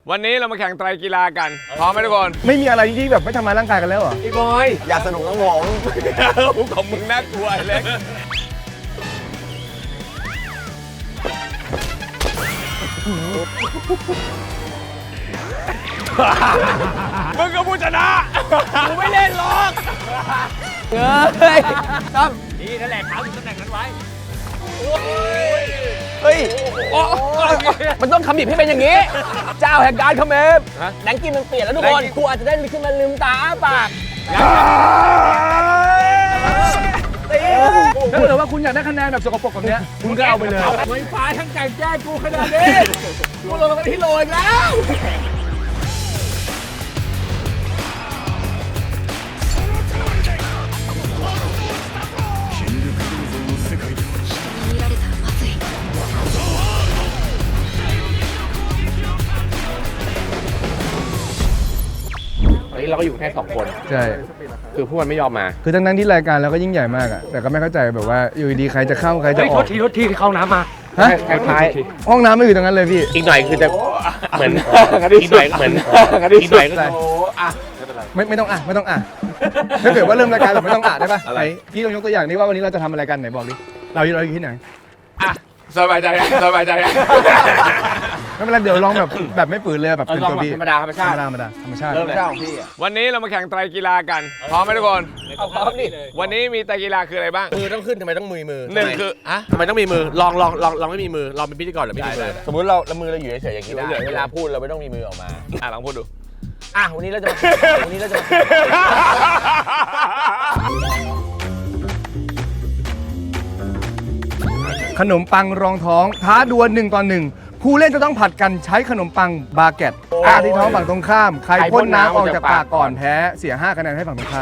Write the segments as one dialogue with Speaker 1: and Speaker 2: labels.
Speaker 1: วันนี้เรามาแข่งไตรกีฬากันพร้อมไหมทุกคน
Speaker 2: ไม่มีอะไรที่แบบไม่ทำร้ายร่างกายกันแล้วเหรอ
Speaker 1: พี่บอย
Speaker 3: อยากสนุกต้องผม
Speaker 1: ของมึงน่ากลัวไอ้เล็กมึงก็ผู้ชนะกูไม่เล่นหรอก
Speaker 3: เฮ้ยตั้ม
Speaker 1: นี่นั่นแหละเท้าอยู่ตำแหน่งนั้นไว้
Speaker 3: เฮ้ย
Speaker 1: โอ้
Speaker 3: มันต้องคำบีบให้เป็นอย่างนี้ เจ้าแห่งการคำเมฟแดงกินมันเปลี่ยนแล้วทุกคนกูอาจจะได้ขึ้นมาลืมตาอ้าปาก
Speaker 2: ถ้าเกิดว่าคุณอยากได้คะแนนแบบสกปรกแบบเนี้ยคุณก็เอาไปเลย
Speaker 1: ไม่ฟ้าทั้งไก่แจ้กูขนาดนี้
Speaker 3: กูลงมาที่โรยแล้ว
Speaker 4: 見られたらまずい
Speaker 3: ตอนนี้เราก็อยู่แค่2 คน
Speaker 2: ใช่
Speaker 3: คือพวกมันไม่ยอมมา
Speaker 2: คือทั้งที่รายการเราก็ยิ่งใหญ่มากอะแต่ก็ไม่เข้าใจแบบว่าอยู่ดีๆใครจะเข้าใครจะออก
Speaker 1: โทษทีเข้าน้ำมา
Speaker 2: ฮะ
Speaker 3: คล้าย
Speaker 2: ห้องน้ำไม่อยู่ตรงนั้นเลยพี่
Speaker 3: ๆอีกหน่อยคือจะเหมือนอีกหน่อยเหมือนอีกหน่อยก็จะ
Speaker 2: ไม่ต้องไม่ต้องถ้าเกิดว่าเริ่มรายการแบบไม่ต้องได้ปะไหนพี่ลองยกตัวอย่างนี้ว่าวันนี้เราจะทำอะไรกันไหนบอกดิเราอยู่ที่ไหน
Speaker 1: อ่ะสบายใจสบายใจ
Speaker 2: ไม่เป็นไรเดี๋ยวลองแบบไม่ฝืนเลยแบบเป็นตัวพี่
Speaker 3: ธรรมดาธรรมชาติ
Speaker 2: ธรรมดาธรรมชาติ
Speaker 3: เริ่มเจ้าของพี่
Speaker 1: วันนี้เรามาแข่งไตรกีฬากันพร้อมไหมทุกคน
Speaker 3: เอาพร้อมดิ
Speaker 1: วันนี้มีไตรกีฬาคืออะไรบ้าง
Speaker 3: มือต้องขึ้นทำไมต้องมือ
Speaker 1: หนึ่งคืออะ
Speaker 3: ทำไมต้องมีมือลองไม่มีมือลองเป็นพิธีกรหรือไม่มีมือสมมติเรามือเราอยู่เฉยๆอย่างนี้ได้เวลาพูดเราไม่ต้องมีมือออกมา
Speaker 1: ลองพูดดู
Speaker 3: วันนี้เราจะวันนี้เราจะ
Speaker 2: ขนมปังรองท้องท้าดวล1 ต่อ 1ผู้เล่นจะต้องผัดกันใช้ขนมปังบาเก็ตที่ท้องฝั่งตรงข้ามใครพ่นน้ำออกจากปากก่อนแพ้เสีย5 คะแนนให้ฝั่งตรงข้าม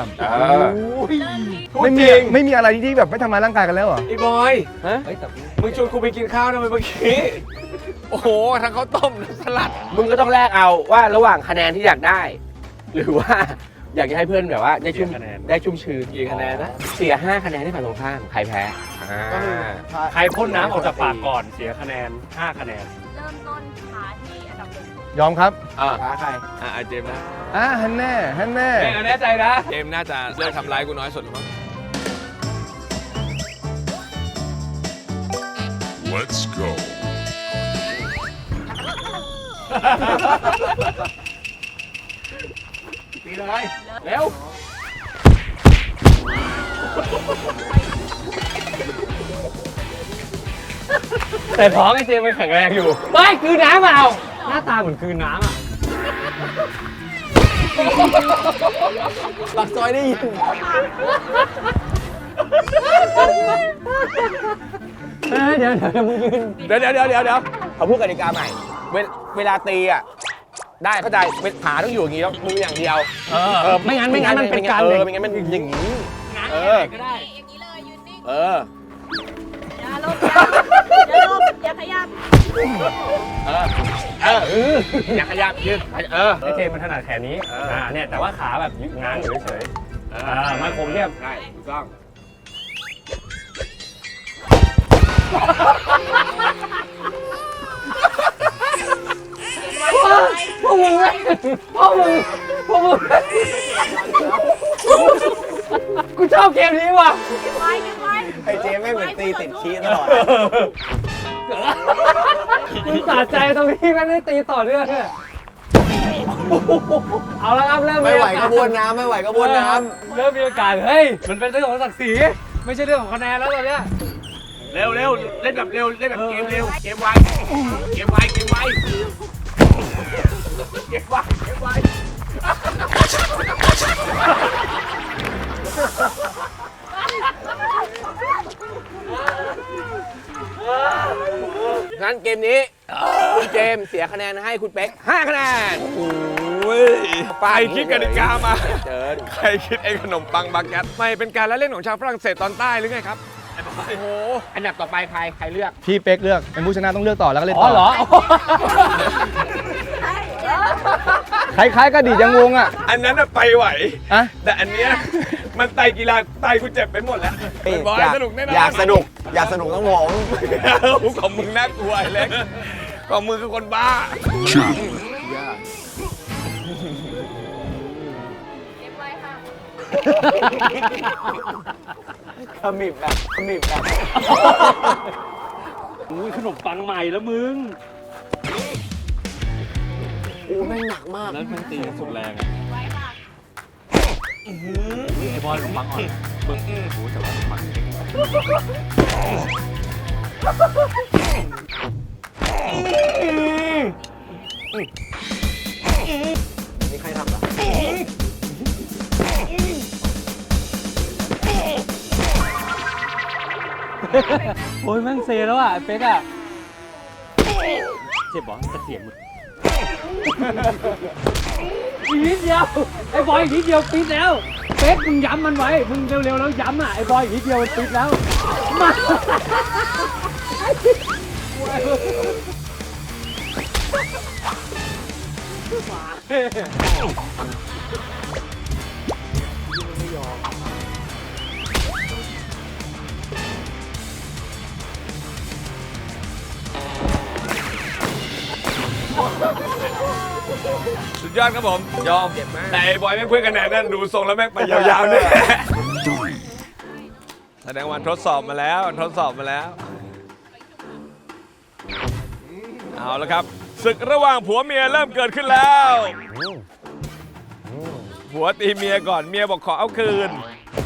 Speaker 2: ไม่มีอะไรที่แบบไม่ทำร้ายร่างกายกันแล้วเหรอ
Speaker 1: ไอ้บอยมึงชวนกูไปกินข้าวทำไมเมื่อกี้ โอ้โหทั้งข้าวต้มทั้งสลัด
Speaker 3: มึงก็ต้องแลกเอาว่าระหว่างคะแนนที่อยากได้ หรือว่าอยากจะให้เพื่อนแบบว่าได้ชุ่มชื้น
Speaker 1: กี่คะแนนนะ
Speaker 3: เสีย5 คะแนนให้ฝั่งตรงข้ามใครแพ้
Speaker 5: ใครพ่นน้ำออกจากปากก่อนเสียคะแนน 5 คะแนน
Speaker 4: เริ่มต้นขาที่อันดับ 1
Speaker 2: ยอมครับ
Speaker 3: ท้าใคร
Speaker 1: เจมส์นะ
Speaker 2: ฮันแน่
Speaker 1: แน่ใจนะ เจมส์น่าจะเลือกทำร้ายกูน้อยสุดมั้ง
Speaker 6: Let's go.
Speaker 1: ตีเลยเร็ว
Speaker 5: แต่ท้องไอ้เจมมันแข็งแรงอยู่ไม่คือน้ำเอาหน้าตาเหมือนคือน้ำอ่ะ
Speaker 3: ปากซอยได้ยิน
Speaker 5: เดี๋ยวมึงยืน
Speaker 3: เดี๋ยวเขาพูดกติกาใหม่ เวลาตีอ่ะได้เข้าใจขาต้องอยู่อย่างนี้แล้วมืออย่างเดียว
Speaker 5: ไม่งั้นมันเป็นการ
Speaker 3: ไม่งั้นมันอย่างนี้
Speaker 5: ก็ได้
Speaker 4: อย่างนี้เลยยืนนิ่งอย่าลบอย่าลบอย่าขยับ
Speaker 3: อยากขยับยืน
Speaker 5: ไอ้เจมมันถนัดแขนนี้เนี่ยแต่ว่าขาแบบง้างอยู่เฉยๆมันคงเรียบ
Speaker 3: ได้ถูกต้อง
Speaker 5: พวกมึงกูชอบเกมนี้ว่ะ
Speaker 4: ไว้ไว้
Speaker 3: ไอ้เจไม่เหมือนตีติดขี้ตลอด
Speaker 5: กูสะใจตรงที่แม่งได้ตีต่อเนื่องเนี่ยเอาละครับเริ่ม
Speaker 3: ไม่ไหวก็บ้วนน้ำไม่ไหวก็บ้วนน้
Speaker 5: เริ่มมีอาการเฮ้ยมันเป็นเรื่องของศักดิ์ศรีไม่ใช่เรื่องของคะแนนแล้วตอนเนี้ย
Speaker 3: ำเร็วเล่นแบบเร็วเล่นแบบเกมเร็วเกมไวงั้นเกมนี้คุณเจมส์เสียคะแนนให้คุณเป๊ก5 คะแนน
Speaker 1: โอ้ยไปคิดกติกามา
Speaker 3: เจิญ
Speaker 1: ใครคิดไอ้ขนมปังบาเก็ตไม่เป็นการละเล่นของชาวฝรั่งเศสตอนใต้หรือไงครับ โอ้โห
Speaker 3: อันดับต่อไปใครเลือก
Speaker 2: พี่เป๊กเลือกเป็นผู้ชนะต้องเลือกต่อแล้วก็เล่น
Speaker 5: อ๋
Speaker 2: ต่
Speaker 5: อเหรอ
Speaker 2: คล้ายๆกระดิ่งยังวงอ่ะ
Speaker 1: อันนั้นน่ะไปไหว
Speaker 2: อะ
Speaker 1: แต่อันเนี้ยมันไตกีฬาไตกูเจ็บไปหมดแล้วเป็นบอลสนุกแน่นอน
Speaker 3: อยากสนุกต้องผม
Speaker 1: ของมึงน่ากลัวไอ้เล็กของมึงคือคนบ้า
Speaker 6: Two.
Speaker 3: ขมิบแบบ
Speaker 5: อุ้ยขนมปังใหม่แล้วมึง
Speaker 3: อู้แม่งหนักมาก
Speaker 5: นั้นมันตีสุดแรง
Speaker 4: ไว้ค่ะ
Speaker 5: ไอ้บอลขนมปังอ่อนมึงโอ้แต่ว่าขนมปัง
Speaker 3: นี่ใครทำล่ะ
Speaker 5: โอ้ยแม่งเซแล้วอ่ะไอ้เป๊กอ่ะเจ็บเหรอจะเสียงมึงอีกนิดเดียวไอ้บอยอีกนิดเดียวปิดแล้วเป๊กมึงย้ำมันไว้มึงเร็วๆแล้วย้ำอ่ะไอ้บอยอีกนิดเดียวมันปิดแล้วมา
Speaker 1: สุดยอดครับผมยอมแต่ไอ้บอยแม่งเพื่อนกันแน่นั่นดูทรงแล้วแม่งไปยาวๆเนี่ยแสดงว่าทดสอบมาแล้วทดสอบมาแล้วเอาละครับศึกระหว่างผัวเมียเริ่มเกิดขึ้นแล้วผัวตีเมียก่อนเมียบอกขอเอาคืน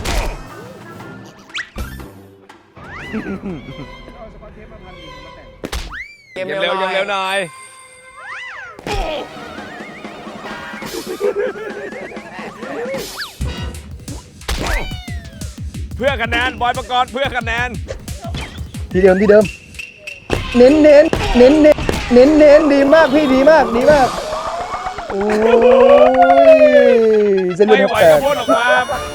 Speaker 1: เกมเร็วยังเร็วหน่อยเพื่อคะแนนบอยประกรณ์เพื่อคะแนน
Speaker 2: ที่เดิมเน้นดีมากพี่ดีมากโอ้ยเส้นเลือ
Speaker 1: ไม่
Speaker 2: ด
Speaker 1: ไหว
Speaker 2: แต
Speaker 1: ก็
Speaker 2: ก
Speaker 1: พูดออกมา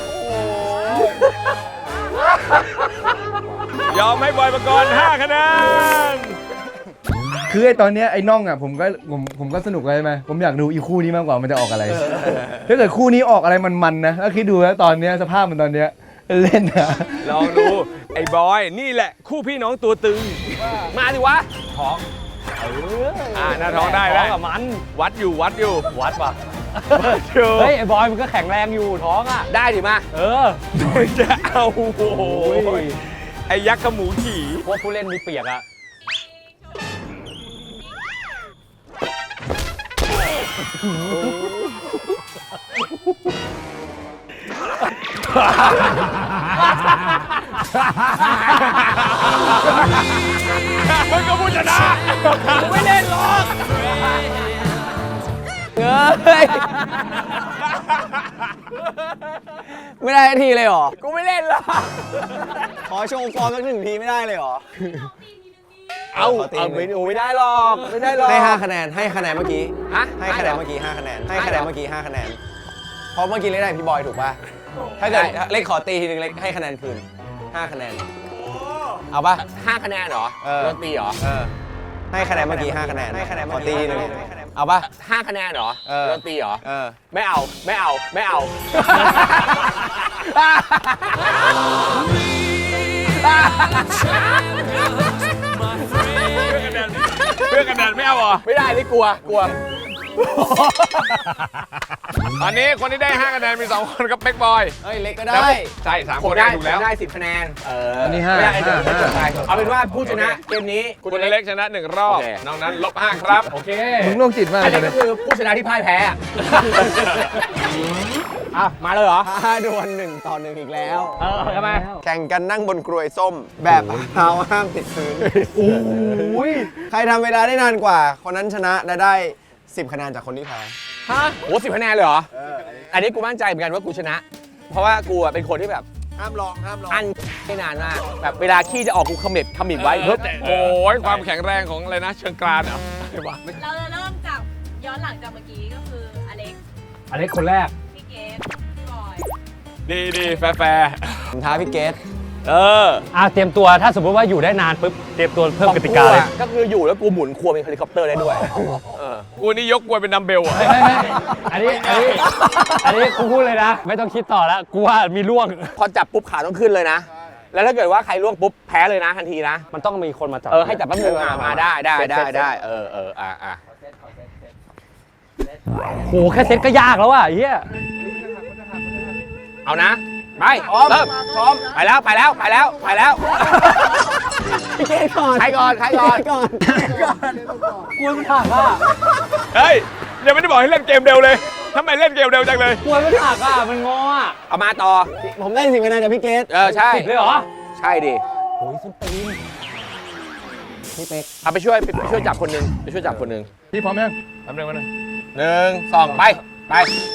Speaker 1: โอ้ยอมให้บอยประกรณ์5 คะแนน
Speaker 2: คือไอ้ตอนเนี้ยไอ้น่องอ่ะผมก็สนุกเลยไหมผมอยากดูอีคู่นี้มากกว่ามันจะออกอะไรถ้าเกิดคู่นี้ออกอะไรมันนะแล้วคิดดูนะตอนเนี้ยสภาพมันตอนเนี้ยเล่นนะ
Speaker 1: ลองดูไอ้บอยนี่แหละคู่พี่น้องตัวตึง
Speaker 3: มาดิวะ
Speaker 1: ท้องหน้าท้องได้
Speaker 5: ท้
Speaker 1: ได้
Speaker 5: องกับมัน
Speaker 1: วัดอยู่
Speaker 5: วัดป่ะ
Speaker 1: อยู่
Speaker 5: เฮ้ยไอ้บอยมันก็แข็งแรงอยู่ท้องอ่ะ
Speaker 3: ได้ดิมา
Speaker 5: เออ
Speaker 1: จะเอาโอ้โหไอ้ยักษ์ขมูขี่
Speaker 5: พวกผู้เล่นมีเปียกอ่ะ
Speaker 1: มึงก็พูดชนะ
Speaker 3: ไม่เล่นหรอกเฮ้ยไม่ได้ทีเลยเหรอ กูไม่เล่นหรอกขอโชว์ฟอร์มสัก1 ทีไม่ได้เลยเหรอ เอาไม่ได้หรอกไม่ได้หรอกให้5 คะแนนให้คะแนนเมื่อกี้ให้คะแนนเมื่อกี้5 คะแนนให้คะแนนเมื่อกี้5 คะแนนเพราะเมื่อกี้เล่นได้พี่บอยถูกป่ะถ้าเกิดเล็กขอตีทีนึงเล็กให้คะแนนคืน5 คะแนนเอาป่ะ5 คะแนนเหรอโดนตีเหรอให้คะแนนเมื่อกี้5 คะแนนให้คะแนนขอตีทีนึงเอาป่ะ5 คะแนนเหรอโดนตีเหรอไม่เอา
Speaker 1: เพื่อคะแนนไม่เอาเหรอ
Speaker 3: ไม่ได้นี่กลัว
Speaker 1: ตอนนี้คนที่ได้5 คะแนนมี 2 คนกับเป็กบอย
Speaker 3: เฮ้ยเล็กก็ได้
Speaker 1: ใช่3 คนได้ถูกแล้ว
Speaker 3: ได้10 คะแนน
Speaker 2: อันนี้ห้า
Speaker 3: ไม่ได้เอาเป็นว่าผู้ชนะเกมนี้
Speaker 1: คุณอเล็กชนะ1 รอบ
Speaker 3: โอเค
Speaker 1: นอกนั้นลบ5 ครับ
Speaker 5: โอเค
Speaker 2: มึงโรคจิตมาก
Speaker 3: อัน
Speaker 2: เล
Speaker 3: นี้
Speaker 2: ย
Speaker 3: ก็คือผู้ชนะที่พ่ายแพ้อ่ะมาเลยเหรอดวล1 ต่อ 1อีกแล้ว
Speaker 5: ทำไม
Speaker 3: แข่งกันนั่งบนกรวยส้ม แบบเท้าห้ามติดพื้นโอ้ยใครทำเวลาได้นานกว่า คนนั้นชนะและได้10 คะแนนจากคนที่แพ้ฮะโห10 คะแนนเลยเหรออันนี้กูมั่นใจเหมือนกันว่ากูชนะ เพราะว่ากูเป็นคนที่แบบห้ามลองอันไม่นานมากแบบเวลาขี้จะออกกูขมิบไว้เฮ้ย
Speaker 1: โอ้ยความแข็งแรงของอะไรนะเชิงกรานเหรออะไรวะ
Speaker 4: เราจะเริ่มจากย้อนหลังจากเมื่อกี้ก็คืออเล็ก
Speaker 5: อันนี้คนแรก
Speaker 4: พี่เกดพี่บอย
Speaker 1: ดีแฟร์
Speaker 3: ผมท้าพี่เกส
Speaker 5: เตรียมตัวถ้าสมมติว่าอยู่ได้นานปุ๊บเตรียมตัวเพิ่มกติกาเลย
Speaker 3: ก็คืออยู่แล้วกูหมุนครัวเป็นเฮลิคอปเตอร์ได้ด้วย
Speaker 1: กูนี่ยกกลวยเป็นดัมเบลอ่ะ
Speaker 5: ไม่อันนี้กูพูดเลยนะ ไม่ต้องคิดต่อแล้วกูว่ามีล่วง
Speaker 3: พอจับปุ๊บขาต้องขึ้นเลยนะ แล้วถ้าเกิดว่าใครล่วงปุ๊บแพ้เลยนะทันทีนะ
Speaker 5: มันต้องมีคนมาจับ
Speaker 3: ให้จับแป๊บนึงมาได้
Speaker 5: โหแค่เซ็ตก็ยากแล้วอ่ะเฮีย
Speaker 1: เอานะไปเริ่มพร้อมไปแล้วไปแล้วไปแล้วไปแล้ว
Speaker 3: พี่เกดก่อน
Speaker 1: ใครก่อนใครก่อน
Speaker 3: ก่อน
Speaker 5: กลัวมันหักอ่ะ
Speaker 1: เฮ้ยยังไม่ได้บอกให้เล่นเกมเร็วเลยทำไมเล่นเกมเร็วจังเลย
Speaker 5: กลัวมันหักอ่ะมันงออ่ะ
Speaker 1: เอามาต่อ
Speaker 3: ผมได้10 คะแนนจากพี่เกด
Speaker 1: ใช่
Speaker 5: ติดเลยเหรอ
Speaker 1: ใช่ดิ
Speaker 3: โอ้ยสุดตีนพี่เป๊ก
Speaker 1: เอาไปช่วยจับคนหนึงไปช่วยจับคนหนึง
Speaker 2: พี่พร้อมยัง
Speaker 1: ทำเร็วมาหน่อย1 2ไปไป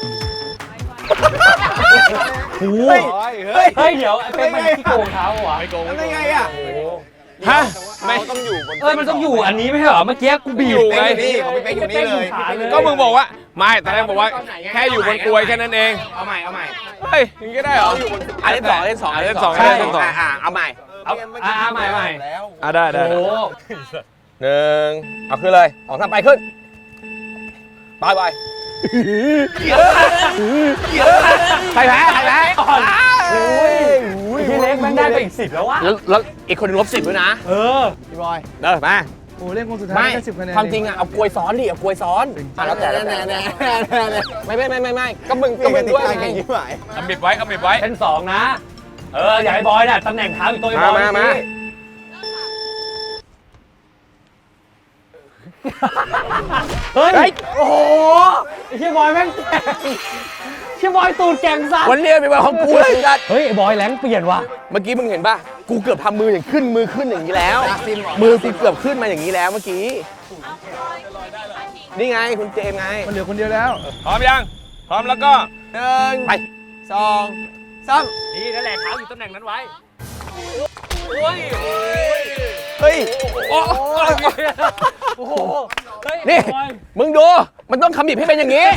Speaker 3: เฮ้ย
Speaker 5: เฮ้ยเดี๋ยวไอ้เป็นมันที่โกงเท้าเหรอ
Speaker 1: ไม่โกง
Speaker 3: ทำได้ไงอ่ะ
Speaker 1: ฮะไม่ต้องอยู่บน
Speaker 5: มันต้องอยู่อันนี้ไม่ใช่เหรอเมื่อกี้กูบีบ
Speaker 1: อยู่ไง
Speaker 3: นี่ของพี่เป๊กอยู่นี่เลย
Speaker 1: ก็มึงบอกว่าไม่ตอนแรกบอกว่าแค่อยู่บนกลวยแค่นั้นเองเอาใหม่เฮ้ยอย่างนี้ก็ได้เหรอเล่น2เล่น2เล่น2
Speaker 5: ใช่
Speaker 1: เล่น2เอาใหม่
Speaker 5: เอาใหม่
Speaker 1: ได้
Speaker 5: โอ้โห
Speaker 1: 1เอาขึ้นเลย2 3ไปขึ้นไปใครแพ้
Speaker 5: โอ้ยพี่เล็กแม่งได้ไปอีก10แล้ววะ
Speaker 1: แล้วอีกคนนึงลบ10ด้วยนะ
Speaker 3: พี่บอย
Speaker 1: มา
Speaker 2: โอ้เล่นคนสุดท้าย
Speaker 1: ไม่
Speaker 2: ได้10 คะแนน
Speaker 1: ความจริงอ่ะเอากลวยซ้อนดิเอากลวยซ้อนแล้วแต่ไม่ก็มึง
Speaker 3: ก็
Speaker 1: ก็
Speaker 3: เป็
Speaker 1: มึ
Speaker 3: น
Speaker 1: ง
Speaker 3: ติ
Speaker 1: ด้วย
Speaker 3: การ
Speaker 1: ไง
Speaker 3: แข่งยิ้มหาย
Speaker 1: กำบิดไว้
Speaker 5: เป็น2นะอย่าให้บอยน่ะตำแหน่งเท้าอีกตัวไอ้บอย
Speaker 1: มา
Speaker 5: เฮ้ยโอ้โหไอ้เชี่ยบอยแม่งแก่งเชี่ยบอยตูดแก่งสัตว์
Speaker 1: วันเรียนเป็นวันของกูเลยจัด
Speaker 5: เฮ้ยไอ้บอยแรงเปลี่ยนว่ะ
Speaker 1: เมื่อกี้มึงเห็นป่ะกูเกือบทำมืออย่างขึ้นอย่างนี้แล้วมือกูเกือบขึ้นมาอย่างนี้แล้วเมื่อกี้นี่ไงคุณเจมไง
Speaker 2: มันเหลือคนเดียวแล้ว
Speaker 1: พร้อมยังพร้อมแล้วก็
Speaker 3: 1
Speaker 1: ไป
Speaker 3: 2 3
Speaker 5: นี่นั่นแหละเท้าอยู่ตำแหน่งนั้นไว้
Speaker 3: เฮ้ย
Speaker 1: โอ้
Speaker 5: โอ้โหเฮ้ย
Speaker 1: นี่
Speaker 5: บอย
Speaker 1: มึงดูมันต้องขมิบให้เป็นอย่างนี้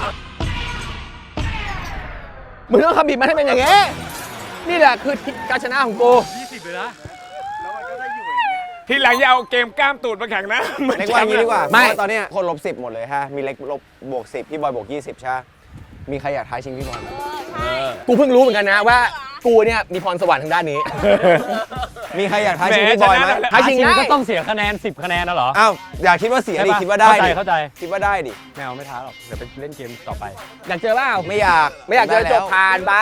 Speaker 1: มึงต้องขมิบมันให้เป็นอย่างนี้นี่แหละคือการชนะของกู
Speaker 5: 20เลยนะ
Speaker 1: ทีหลังอย่าเอาเกมกล้ามตูดมาแข่งนะ
Speaker 3: เล็กว่าอย่างนี้ดีกว่า
Speaker 1: ไม่
Speaker 3: เพราะว่าตอนเนี้ยคนลบ10หมดเลยฮะมีเล็กลบบวก10พี่บอยบวก20ใช่ไหมมีใครอยากท้าชิงพี่บอยไหม
Speaker 1: กูเพิ่งรู้เหมือนกันนะว่ากูเนี่ยมีพรสวรรค์ทางด้านนี้
Speaker 3: มีใครอยากท้าชิงพี่บอยไหม
Speaker 1: ท้าชิงได้
Speaker 5: ก็ต้องเสียคะแนน10 คะแนนนะเหรอ
Speaker 3: อ้าวอย่าคิดว่าเสียดิคิดว่าได้ดิ
Speaker 5: เข้าใจ
Speaker 3: คิดว่าได้ดิ
Speaker 5: แมวไม่ท้าหรอกเดี๋ยวไปเล่นเกมต่อไป
Speaker 1: อยากเจอเปล่า
Speaker 3: ไม่อยาก
Speaker 1: ไม่อยากเจอ
Speaker 3: ได้
Speaker 1: จ
Speaker 3: แล้ว
Speaker 1: บผ่านไป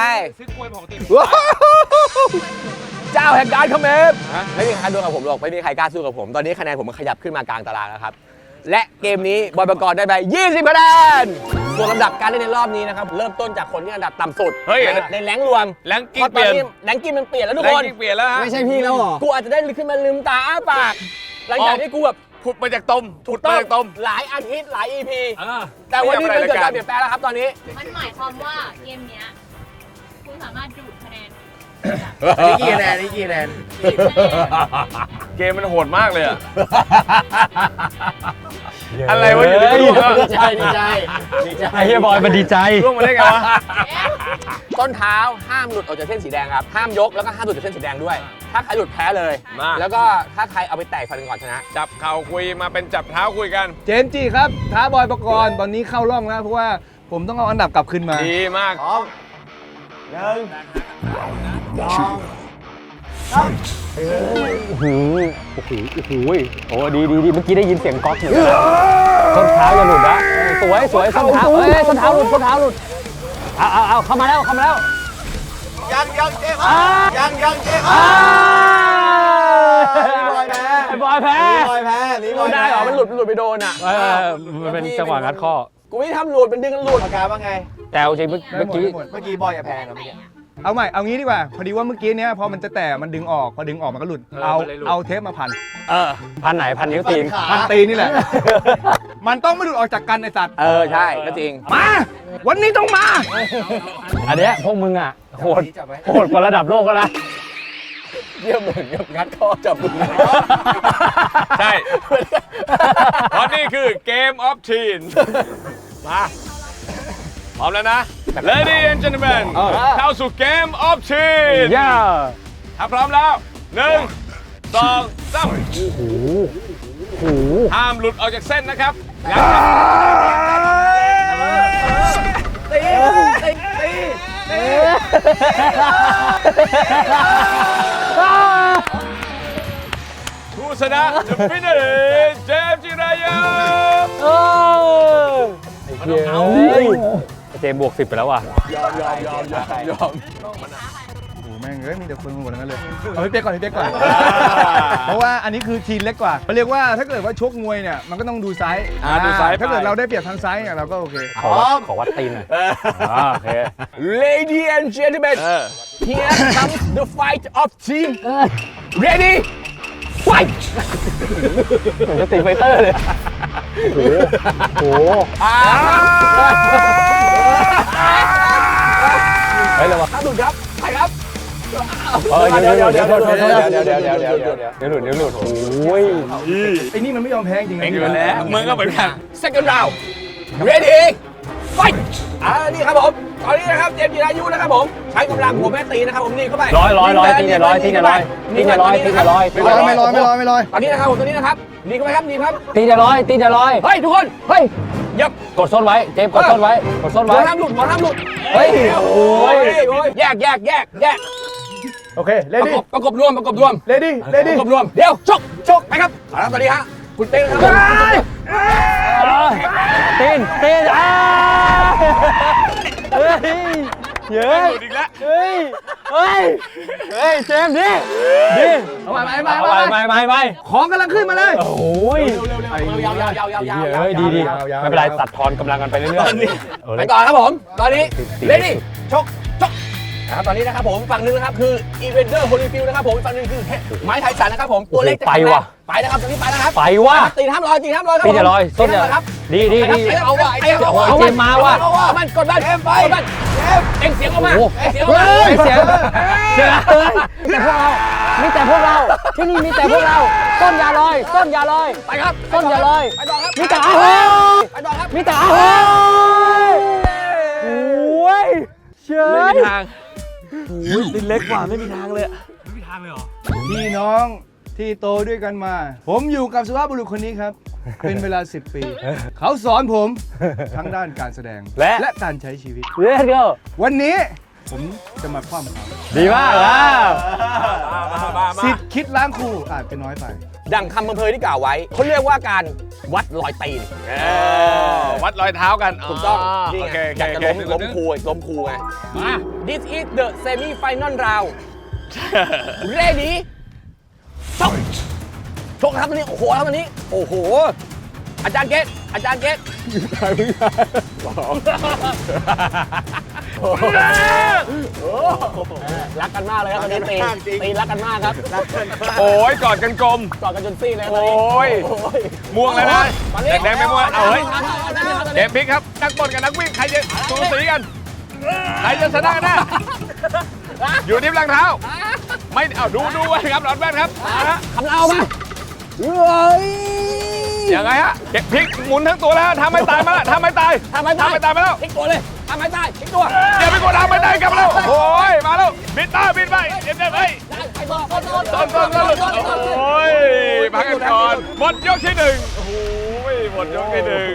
Speaker 1: เจ้าแห่งการคอมเมนต์ไม่มีใครดวลกับผมหรอกไม่มีใครกล้าสู้กับผมตอนนี้คะแนนผมมันขยับขึ้นมากลางตารางแล้วครับและเกมนี้บอยประกรณ์ได้ไป20 คะแนนส่วนลำดับการเล่นในรอบนี้นะครับเริ่มต้นจากคนที่อันดับต่ำสุดในแรงรวม
Speaker 6: แรงกิ้งเปลี่ยน
Speaker 1: แรงกิ้งมันเปลี่ยนแล้วทุก
Speaker 6: แร
Speaker 1: ค
Speaker 6: ง
Speaker 1: น
Speaker 6: กิ้งเปลี่ยนแล้วฮะ
Speaker 3: ไม่ใช่พี่แล้วเหรอ
Speaker 1: กูอาจจะได้ขึ้นมาลืมตาอ้าปากหลังจากที่กูแบบ
Speaker 6: ผุดมาจากตมผุดมาจากตม
Speaker 1: หลายอาทิตย์หลาย EP
Speaker 5: อ่า
Speaker 1: แต่วันนี้มันเกิดการเปลี่ยนแปลงแล้วครับตอนนี้
Speaker 4: มันหมายความว่าเกมเนี้ยคุณสามารถดูดคะแนน
Speaker 3: นี่กี่คะแนนนี่กี่คะแนน
Speaker 6: เกมมันโหดมากเลยอะอะไรวะอยู่ในกระดูกอะ
Speaker 3: ดีใจดีใจดีใจ
Speaker 5: ไอ้เฮียบอยมันดีใจ
Speaker 6: ร่วงมาได้ไงวะ
Speaker 1: ต้นเท้าห้ามหลุดออกจากเส้นสีแดงครับห้ามยกแล้วก็ห้ามหลุดจากเส้นสีแดงด้วย ถ้าใครหลุดแพ้เลย
Speaker 6: มา
Speaker 1: แล้วก็ถ้าใครเอาไปแตกฟันก่อนชนะ
Speaker 6: จับเข่าคุยมาเป็นจับเท้าคุยกัน
Speaker 2: เจมส์จีครับท้าบอยประกรณ์ตอนนี้เข้าร่องแล้วเพราะว่าผมต้องเอาอันดับกลับขึ้นมา
Speaker 6: ดีมาก
Speaker 3: พร้อม1
Speaker 5: โอ้ดีเมื่อกี้ได้ยินเสียงก๊อกอยู่ส้นเท้าอย่าหลุดนะสวยส้นเท้าส้นเท้าหลุดเอาเข้ามาแล้ว
Speaker 3: ยังเจ๊ยังเจ๊ พี่บอยแพ้
Speaker 5: ไอ้บอยแพ้
Speaker 3: พี่บอยแพ้
Speaker 1: ได้เหรอมันหลุดไปโดนอ่ะ
Speaker 5: มันเป็นจังหวะงัดข้อ
Speaker 1: กูไม่ทำหลุดมันดึงหลุด
Speaker 3: ปากกาว่าไง
Speaker 5: แต่เอาจริงเมื่อกี้
Speaker 3: เมื่อกี้บอยอย่าแพ้ครับเมื่อกี้
Speaker 2: เอาใหม่เอางี้ดีกว่าพอดีว่าเมื่อกี้เนี้ยพอมันจะแตะมันดึงออกพอดึงออกมันก็หลุดเอาเทปมาพัน
Speaker 5: พันไหนพันนิ้วตีน
Speaker 2: พันตีนนี่แหละ มันต้องไม่หลุดออกจากกันไอสัตว์
Speaker 1: ใช่ก็จริง
Speaker 2: มาวันนี้ต้องมา
Speaker 5: อันเนี้ยพวกมึงอ่ะโหดกว่าระดับโลกแล้วนะ
Speaker 1: เยี่ยมเหมือนกับงัดข้อจับมือ
Speaker 6: ใช่ เพราะนี่คือเกมออฟทีนมาพร้อมแล้วนะ Ladies and gentlemen เข้าสู่เกมออฟทีน
Speaker 5: ย่า
Speaker 6: ถ้าพร้อมแล้ว 1 2 3ห้ามหลุดออกจากเส้นนะครับงั้นผู้ชนะ The winner is เจมส์จิรายุ
Speaker 5: เฮ้ยเจมส์บวก 10 ไปแล้วว่ะ
Speaker 1: ยอม
Speaker 2: โอ้โหแม่งเอ้ยมีแต่คนมาหมดทั้งนั้นเลยเอาพี่เป๊กก่อนพี่เป๊กก่อน เพราะว่าอันนี้คือทีมเล็กกว่าเขาเรียกว่าถ้าเกิดว่าชกมวยเนี่ยมันก็ต้องดูไซส์
Speaker 6: ดูไซส์
Speaker 2: ถ้าเกิด
Speaker 6: ไป
Speaker 2: เราได้เปรียบทางไซส์เนี่ยเราก็โอเค
Speaker 5: ขอวัดตีนหน่อยโอเค
Speaker 1: Ladies and gentlemen here comes the fight of team ready fight
Speaker 5: เหมือนจะตีไฟเตอร์เลย โอ้โห เฮ้ยเร็ววะ
Speaker 1: ถ้าหลุดครับไปครับ
Speaker 5: เดี๋ยวหลุดโอ้ย
Speaker 2: ไอ้นี่มันไม่ยอมแพ้จริงๆนะ
Speaker 6: อยู่แล้วมึงก็เหมือนกัน
Speaker 1: second round ready fight นี่ครับผมตอนนี้นะครับเจมส์จิรายุนะครับผมใช้กำลังหัวแม่ตีนะครับผมนี่เข้าไป
Speaker 5: ร้อยตีเนี่ยร้อยตีเนี่ยร้อยตีเนี่ยร้อยตีเนี่ยร้อย
Speaker 2: ไม่ลอย
Speaker 1: ตอนนี้นะครับผมตอนนี้นะครับนี่เข้าไปครับนี่ครับ
Speaker 5: ตีเนี่ยร้อยตีเนี่ยร้อย
Speaker 1: เฮ้ยทุกคน
Speaker 5: เฮ้ย
Speaker 1: ยับ
Speaker 5: กดส้นไว้ เจมส์กดส้นไว้ กดส้น
Speaker 1: หมอ
Speaker 5: ไว้
Speaker 1: ห้ามหลุดหมอห้ามหลุด
Speaker 5: เฮ้ย
Speaker 1: โอ้ยแยก
Speaker 2: โอเคเลดี้
Speaker 1: ประกบรวม
Speaker 2: เลดี้
Speaker 1: ประกบรวมเดี๋ยวชกไปครับเอาละตอนนี้ฮะคุณเต้นครับ
Speaker 5: ตีนเฮ้ยเย้ย
Speaker 6: หลุดอีกแล้ว
Speaker 5: เฮ้ย เจมส์ดิ
Speaker 2: เอาใหม่
Speaker 5: ไม่
Speaker 2: ของกำลังขึ้นมาเลย
Speaker 5: โอ้ย
Speaker 1: ยาว
Speaker 5: เฮ้ยดีไม่เป็นไรตัดทอนกำลังกันไปเรื่อยๆ
Speaker 1: ไปต่อครับผมตอนนี้เลดี้ชกนะครับตอนนี้นะครับผมฝั่งนึงนะครับคืออีเวนเดอร์โฮลิฟิลนะครับผมฝั่งนึงคือไม้ไทสันนะครับผมตัวเล็กไปนะครับตอนนี้ไปแล้วครับ
Speaker 5: ไปว่ะ
Speaker 1: ตีห้ามลอยครับ
Speaker 5: ตีจะลอยส้นเนี่ย
Speaker 1: ครับ
Speaker 5: ดี
Speaker 1: เอาว่ะ
Speaker 5: โอ้ยเจมมาว่ะ
Speaker 1: มันกดมันเอ็งเสียงออกมาเสียงออกมา
Speaker 5: เสียแต่พวกเราที่นี่มีแต่พวกเราต้นยาลอย
Speaker 1: ไปครับ
Speaker 5: ต้นยาลอย
Speaker 1: ไปต่อครับ
Speaker 5: มีแต่อาหอย
Speaker 1: ไปต่อครับ
Speaker 5: มีแต่อาหอยโอ้ยเชย
Speaker 6: ไม่มีทาง
Speaker 5: ดินเล็กกว่าไม่มีทางเลย
Speaker 2: พี่น้องที่โตด้วยกันมา ผมอยู่กับสุภาพบุรุษคนนี้ครับ เป็นเวลา 10 ปี เขาสอนผมทั้งด้านการแสดงและการใช้ชีวิต
Speaker 5: Let's go
Speaker 2: วันนี้ผมจะมาคว่ำเขา
Speaker 5: ดีมากแล้ว
Speaker 2: สิทธิ์คิดล้างครูอาจจะน้อยไป
Speaker 1: ดังคำอำเภอที่กล่าวไว้เขาเรียกว่าการวัดรอยตีน
Speaker 6: วัดรอยเท้ากัน
Speaker 1: ถูกต้อง
Speaker 6: โอ
Speaker 1: นี่
Speaker 6: เค
Speaker 1: ไงอยากจะล้มครูไงมา This is the semi final round ready ชกครับวันนี้โอ้โหครับวันนี้โอ้โหอาจารย์เกตรักกันมากเลยครับวันนี้ตีรักกันมากครับ
Speaker 6: โอ้ยกอดกันกลม
Speaker 1: กอดกันจนซี่เลย
Speaker 6: โอ้ยม่วงเลยนะแดงไม่ม่วงเอาเฮ้ยเดมพิกครับนักบอลกับนักวิ่งใครจะสูสีกันใครจะชนะกันแน่อยู่ที่หลังเท้าไม่เอาดูไว้ครับหลอดแว่นครับ
Speaker 1: ทำเอามาเฮ้ย
Speaker 6: ยังไงฮะเก็บพลิกหมุนทั้งตัวแล้วทำไม่ตายมาแล้วทำไม่ตายมาแล้ว
Speaker 1: พลิกตัวเลยทำไม่ได้พลิกตัว
Speaker 6: เดี๋ยวไปกดทำไม่ได้กลับมาแล้วโอ้ยมาแล้วบิดไปเดี๋ยวไป
Speaker 1: ไปต่อต้น
Speaker 6: โอ้ยพักกันก่อนหมดยกที่หนึ่งโอ้ยหมดยกที่หนึ่ง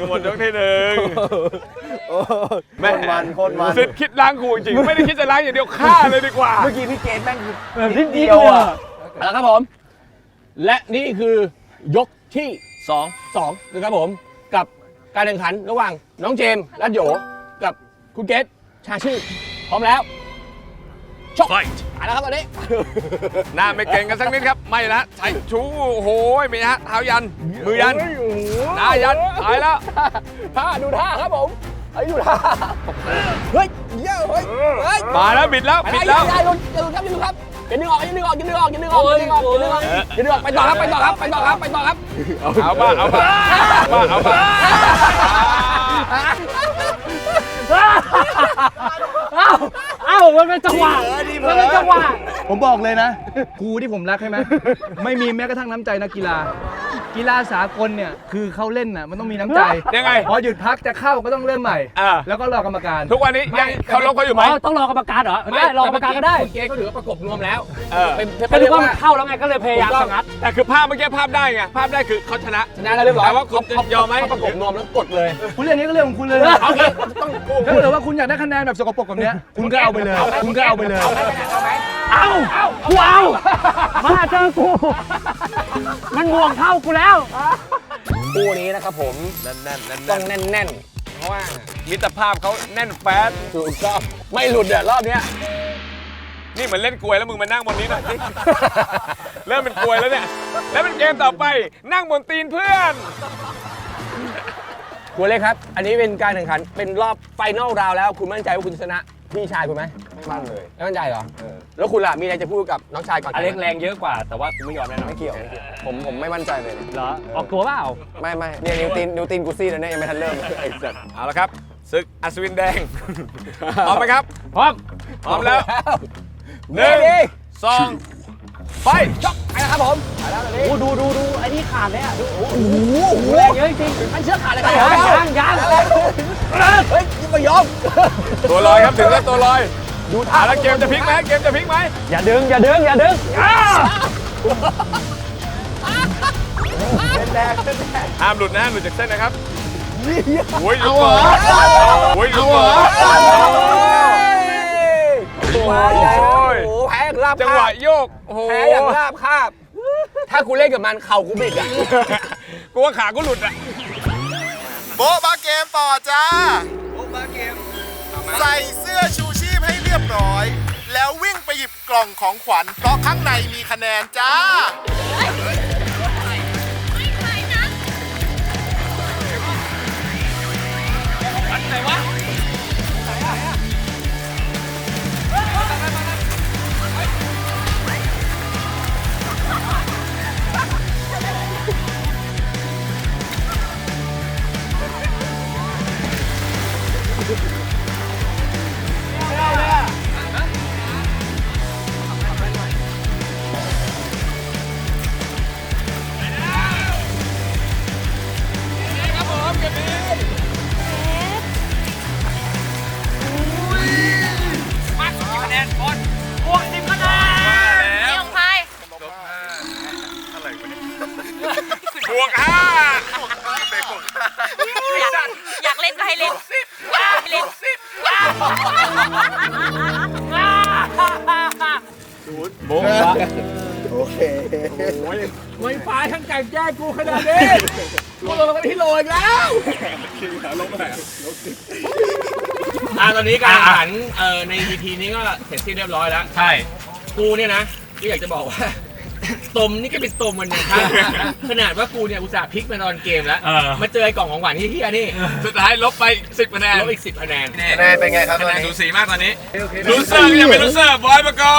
Speaker 6: แม่สิทธิ์คิดล้างกูจริงไม่ได้คิดจะล้างอย่างเดียวฆ่าเลยดีกว่า
Speaker 1: เมื่อกี้พี่เกณฑ์แม่ง
Speaker 5: นิดเดียวอ่ะ
Speaker 1: แล้วครับผม และนี่คือยกที่2นะครับผมกับการแข่งขันระหว่างน้องเจมส์รัตโยกับคุณเกตชาชื่อพร้อมแล้วชกไปแล้วครับตอนนี้
Speaker 6: หน้าไม่เก่งกันสักนิดครับไม่นะใส่ชูโอ้โหมีฮะเท้ายันมือยันหน้ายันตายแล้ว
Speaker 1: ท่าดูท่าครับผมดูท่าเฮ้ยเยอะเฮ้ย
Speaker 6: มาแล้วบิดแล้ว
Speaker 1: อย่าหลุดครับอย่าดึงออกไปต่อครับ
Speaker 6: เอาบ้า
Speaker 5: เอ้ามันเป็นจังหวะ
Speaker 2: ผมบอกเลยนะครูที่ผมรักใช่ไหมไม่มีแม้กระทั่งน้ำใจนักกีฬาสากลเนี่ยคือเขาเล่นน่ะมันต้องมีน้ำใจ
Speaker 6: ยังไง
Speaker 2: พอหยุดพักจะเข้าก็ต้องเริ่มใหม่ แล้วก็รอกรรมการ
Speaker 6: ทุกวันนี้ยังเขาลบเขาอยู่ไหม
Speaker 5: ต้องรอกรรมการเหรอได้รอกรรมการก็ได้
Speaker 1: คุณเกตก็ถือว่าประกบรวมแล้ว
Speaker 5: ก็รู้ว่ามันเข้าแล้วไงก็เลยพยายามสงัด
Speaker 6: แต่คือภาพเมื่อกี้ภาพได้ไงภาพได้คือเขาชนะ
Speaker 1: แล้วเรียบร้อย
Speaker 6: แต่ว่าคุณยอมไหม
Speaker 1: ประกบรวมแล้วกดเลย
Speaker 2: คุณเรื่องนี้ก็เรื่องของคุณเลย
Speaker 1: โอเคต้อง
Speaker 2: ถ้าเกิดว่าคุณอยากได้คะแนนแบบสกปรกแบบเนี้ยคุณก็เอาไปเลย
Speaker 5: เอากูเอามาเจอกูมันบวกเท่ากูแล้ว
Speaker 1: คู่นี้นะครับผมต้องแน่นเพราะว่า
Speaker 6: มิตรภาพเขาแน่นแฟน
Speaker 1: ถูกต้องไม่หลุดเดี๋ยวรอบเนี้ย
Speaker 6: นี่เหมือนเล่นกลวยแล้วมึงมานั่งบนนี้หน่อยสิ เริ่มเป็นกลวยแล้วเนี่ย แล้วเป็นเกมต่อไปนั่งบนตีนเพื่อน
Speaker 1: คุณเล็กครับ อันนี้เป็นการแข่งขันเป็นรอบไฟนอลราวแล้ว คุณมั่นใจว่าคุณจะชนะพี่ชายคุณไหม
Speaker 3: มั่นเลย
Speaker 1: ไม่มั่นใจเหรอแล้วคุณล่ะมีอะไรจะพูดกับน้องชายก่อน
Speaker 5: อเล็กแรงเยอะกว่า แต่ว่ากูไม่ยอมแน่นอน
Speaker 3: ไม่เกี่ยวผมไม่มั่นใจเลยเนี่ย
Speaker 5: เหรอ ออกตัวเปล่า
Speaker 3: ไม่เนี่ยนิวตีนกูซี่แล้วเนี่ยยังไม่ทันเริ่มไอ้สัตว์
Speaker 6: เอาละครับศึกอัศวินแดง พร้อมไหมครับ
Speaker 5: พร้อม
Speaker 6: พร้อมแล้ว
Speaker 1: เฮ้ย
Speaker 6: 1 2 ไป
Speaker 1: จ๊อกไปนะครับผมไปแล้วตอนนี้
Speaker 5: โอ้ดูไอ้นี่ขาดเลยอ่ะดูโอ้โห
Speaker 1: โอ้โห
Speaker 5: แรงเยอะจริง
Speaker 1: มันเชือกขาดเลยครับ
Speaker 5: ยัง
Speaker 1: เฮ้ยยังไม่ยอม
Speaker 6: ตัวลอยครับถึงแล้วตัวลอย
Speaker 1: ดูท่า
Speaker 6: แล้วเกมจะพลิกไหมเกมจะพลิกไหม
Speaker 5: อย่าดึงอ้า
Speaker 6: ห้ามหลุดนะหลุดจากเส้นนะครับโอ้ยเอาเหรอโอ้ยเอาเหรอ
Speaker 1: โอ้โหแพ้อย่างราบ
Speaker 6: จัง
Speaker 1: คา
Speaker 6: หวะ
Speaker 1: บ
Speaker 6: โยกโอ้โห
Speaker 1: แพ้อย่างราบคาบ ถ้ากูเล่นกับมันเข่ากูบิดอ่ะ
Speaker 6: กูว่าขากูหลุดอ่ะ
Speaker 7: โบ๊ะบาเกมต่อจ้า ใส่เสื้อชูชีพให้เรียบร้อย แล้ววิ่งไปหยิบกล่องของขวัญ เพราะข้างในมีคะแนนจ้า
Speaker 6: บวก5
Speaker 4: อยากเล่นก็ให้เล่น
Speaker 6: โบ๊ะ
Speaker 1: ไม่ฟ้าทั้งไก่แจ้กูขนาดนี้กูลงมาที่โลอีกแล้วตอนนี้การแข่งขันใน EP นี้ก็เสร็จสิ้นเรียบร้อยแล้ว
Speaker 5: ใช่
Speaker 1: กูเนี่ยนะก็อยากจะบอกว่า ตมนี่ก็เป็นตมมันนะครับ ขนาดว่ากูเนี่ยอุตส่าห์พลิกมาตอนเกมแล้ว มาเจอไอ้กล่องของหวานที่เฮียนี่
Speaker 6: สุดท้ายลบไป10คะแนน
Speaker 1: ลบอีก10คะแนน
Speaker 3: คะแนนเป็นไงครับต
Speaker 6: คะ
Speaker 3: อน
Speaker 6: แนน
Speaker 3: นี้
Speaker 6: สูสีมากตอนนี้ลูเซอร์ก็ยังเป็นลูเซอร์บอยมาก่อน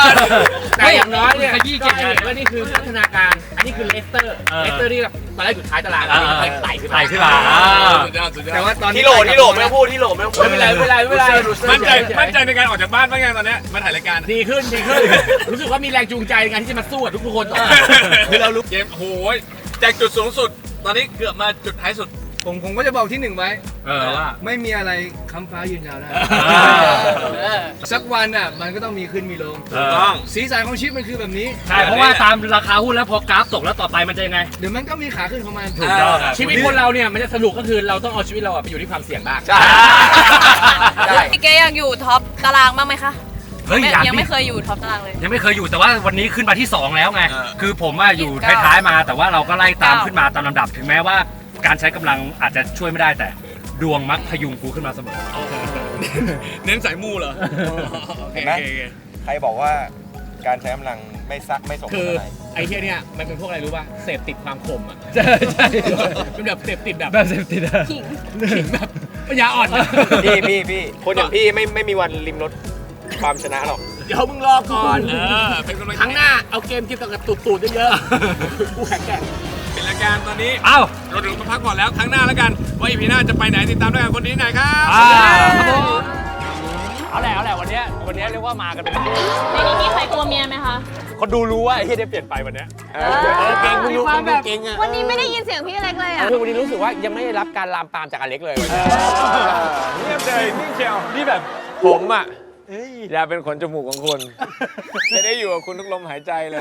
Speaker 1: แต่อย่างน้อยเนี่ย
Speaker 5: ขยี้
Speaker 1: ก็
Speaker 5: เจ็บ
Speaker 1: ให้เห็นว่านี่คือพัฒนาการ อันนี้คือเลสเตอร์ เลสเตอร์นี่แบบตอนแรกอยู่ท้ายตารางอันนี้มันไต่ขึ้นมา
Speaker 5: ไต่ขึ้นมา
Speaker 6: สุดยอดสุดยอด
Speaker 2: แต่ว่าตอนนี้
Speaker 3: ที่โหลไม่ต้องพูดที่โหลไม่ต้องพูด
Speaker 1: ไม่เป็นไรไม่เป็นไรไม่เป็นไร
Speaker 6: มั่นใจในการออกจากบ้านบ้างยังตอนเนี้ยมาถ่ายรายการ
Speaker 1: ดีขึ้น รู้สึกว่ามีแรงจูงใจในการที่จะมาสู้กับทุกคนต่อ
Speaker 6: คือเรารู้เกมโอ้โหจากจุดสูงสุด ตอนนี้เกือบมาจุดท้ายสุด
Speaker 2: ผมก็จะบอกที่หนึ่งไว้
Speaker 5: ว่า
Speaker 2: ไม่มีอะไรค้ำฟ้ายืนยาวได้
Speaker 5: อ่า
Speaker 2: สักวันอ่ะมันก็ต้องมีขึ้นมีลง
Speaker 6: ถูกต้อง
Speaker 2: สีสันของชีวิตมันคือแบบนี้
Speaker 5: ใช่ เพราะว่าตามราคาหุ้นแล้วพอกราฟตกแล้วต่อไปมันจะยังไง
Speaker 2: เดี๋ยวมันก็มีขาขึ้นของมัน
Speaker 5: ถูกต้องครับ
Speaker 1: ชีวิตคนเราเนี่ยมันจะสนุกก็คือเราต้องเอาชีวิตเราไปอยู่ที่ความเสี่ยงบ้าง
Speaker 3: ใช่
Speaker 4: พี่เกยังอยู่ท็อปตารางบ้างไหมคะ
Speaker 5: เฮ้ย
Speaker 4: ยังไม่เคยอยู่ท็อปตารางเลย
Speaker 5: ยังไม่เคยอยู่แต่ว่าวันนี้ขึ้นมาที่ 2 แล้วไง คือผมว่าอยู่ท้ายๆมา แต่ว่าเราก็ไล่ตามขึ้นมาตามลำดับ ถึงแม้ว่าการใช้กำลังอาจจะช่วยไม่ได้แต่ดวงมักพยุงกูขึ้นมาเสมอ
Speaker 6: เน้นสายมูเหรอ
Speaker 3: เห็นไหมใครบอกว่าการใช้กำลังไม่ส่งผล
Speaker 1: คือ
Speaker 3: อะไร
Speaker 1: ไอ้เที่ยเนี่ยมันเป็นพวกอะไรรู้ป่ะเสพติดความคมอ่ะ
Speaker 5: ใช่ใช่
Speaker 1: เป็นแบบเสพติดแบบ
Speaker 5: แบบเซฟตี้อะ
Speaker 1: ขิงแบบปัญญาอ่อนอะ
Speaker 3: พี่คนอย่างพี่ไม่มีวันริมรถความชนะหรอก
Speaker 1: เดี๋ยวมึงรอก่อน
Speaker 6: เป็นกำลัง
Speaker 1: ครั้งหน้าเอาเกมเกี่ยวกับตูดๆเยอะๆกูแข็งแกร่ง
Speaker 6: เป็นรายการตอนนี้
Speaker 5: เอ้า
Speaker 6: เราถึงมาพักก่อนแล้วครั้งหน้าแล้วกันว่าอีพีหน้าจะไปไหนติดตามด้วยกันคนนี้หน่อยครับ
Speaker 5: ครับผมเอาแหละวันเนี้ยเรียกว่ามากันเป็นคู่
Speaker 4: ในนี้มีใครกลัวเมียไหมคะ
Speaker 5: คนดูรู้ว่าไอ้ที่ได้เปลี่ยนไปวันเนี้ย
Speaker 1: เก่งมึงรู้มึงเก่งอ่ะ
Speaker 4: วันนี้ไม่ได้ยินเสียงพี่อเล็กเลยอ่ะ
Speaker 1: คือวันนี้รู้สึกว่ายังไม่ได้รับการลามปามจากอเล็กเลย
Speaker 6: เงียบเลยนิ่งเชียวนี่แบบผมอ่ะอยากเป็นขนจมูกของคุณ จะได้อยู่กับคุณทุกลมหายใจเลย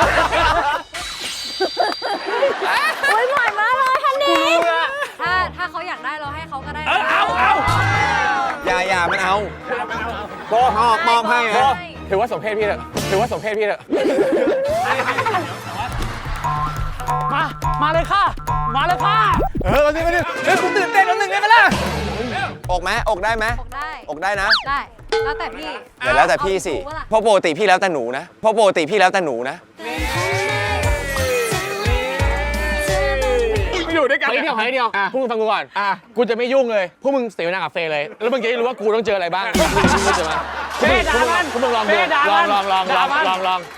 Speaker 4: โอ้ยบ่อยมากเลยทันนี้ถ้าเขาอยากได้เราให้เขาก็ได้
Speaker 3: อย่ามันเอามอบให้นะ
Speaker 1: ถือว่าสมเพศพี่เถอะถือว่าสมเพศพี่เถอะ
Speaker 3: มาเลยค่ะ มาเลยค่ะ
Speaker 2: เฮ้ยกูตื่นเต้นแล้วหนึ่งได้ไหมล่ะ
Speaker 3: อกไหมอกได้ไหม
Speaker 4: บอกได้
Speaker 3: อกได้นะ
Speaker 4: ได้ แล้วแต่พี่
Speaker 3: เดี๋ยวแล้วแต่พี่สิ
Speaker 4: เอาถูกปะล่ะ
Speaker 3: เพราะปกติพี่แล้วแต่หนูนะเพราะปกติพี่แล้วแต่หนูนะ
Speaker 6: อยู่ด้วยกัน
Speaker 1: ขออีกเดียวขออีกเดียวพวกมึงฟังกูก่อน กูจะไม่ยุ่งเลย พวกมึงเสียเวลากับเฟย์เลย แล้วมึงจะได้รู้ว่ากูต้องเจออะไรบ้างมึงเจอไหม
Speaker 6: เฟย์ด่ามัน
Speaker 1: พวกมึงลองดู
Speaker 6: เฟย์ด่า
Speaker 1: ล
Speaker 6: มั
Speaker 1: อง
Speaker 6: น
Speaker 1: ลองลองล
Speaker 6: ด่า
Speaker 1: อง
Speaker 6: มัน
Speaker 1: ลองลอง